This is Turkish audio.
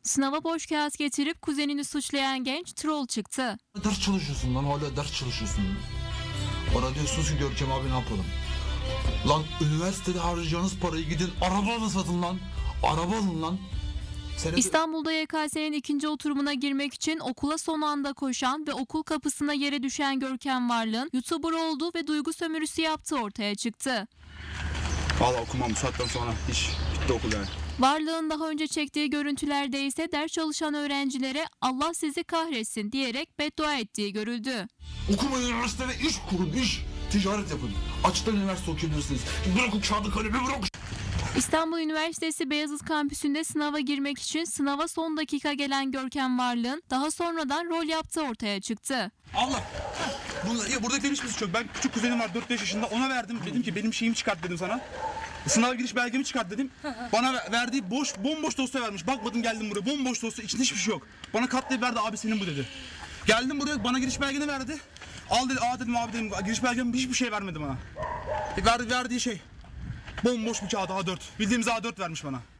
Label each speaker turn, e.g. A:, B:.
A: Sınava boş kağıt getirip kuzenini suçlayan genç troll çıktı.
B: Ders çalışıyorsun lan, hala ders çalışıyorsun. Bana diyorsunuz ki Görkem abi ne yapalım? Lan üniversitede harcayacağınız parayı gidin araba satın lan. Araba alın lan.
A: İstanbul'da YKS'nin ikinci oturumuna girmek için okula son anda koşan ve okul kapısına yere düşen Görkem Varlık'ın YouTuber olduğu ve duygu sömürüsü yaptığı ortaya çıktı.
C: Valla okumam bu saatten sonra. Hiç bitti okul yani.
A: Varlık'ın daha önce çektiği görüntülerde ise ders çalışan öğrencilere Allah sizi kahretsin diyerek beddua ettiği görüldü.
B: Okumayın, üniversitede iş kurun, iş. Ticaret yapın. Açıktan üniversite okuyabilirsiniz. Bırakın kağıdı kalemi, bırakın.
A: İstanbul Üniversitesi Beyazıt Kampüsü'nde sınava girmek için sınava son dakika gelen Görkem Varlık'ın daha sonradan rol yaptığı ortaya çıktı.
C: Allah! Buradakilerin hiçbir suçu yok. Ben küçük kuzenim var 4-5 yaşında, ona verdim. Dedim ki benim şeyimi çıkart dedim sana. Sınav giriş belgemi çıkart dedim. Bana verdiği bomboş dosya vermiş. Bakmadım, geldim buraya, bomboş dosya, içinde hiçbir şey yok. Bana katlayıp verdi, abi senin bu dedi. Geldim buraya, bana giriş belgeni verdi. Al dedi, dedim abi dedim, giriş belgem hiçbir şey vermedi bana. Verdiği şey bomboş bir kağıt A4. Bildiğimiz A4 vermiş bana.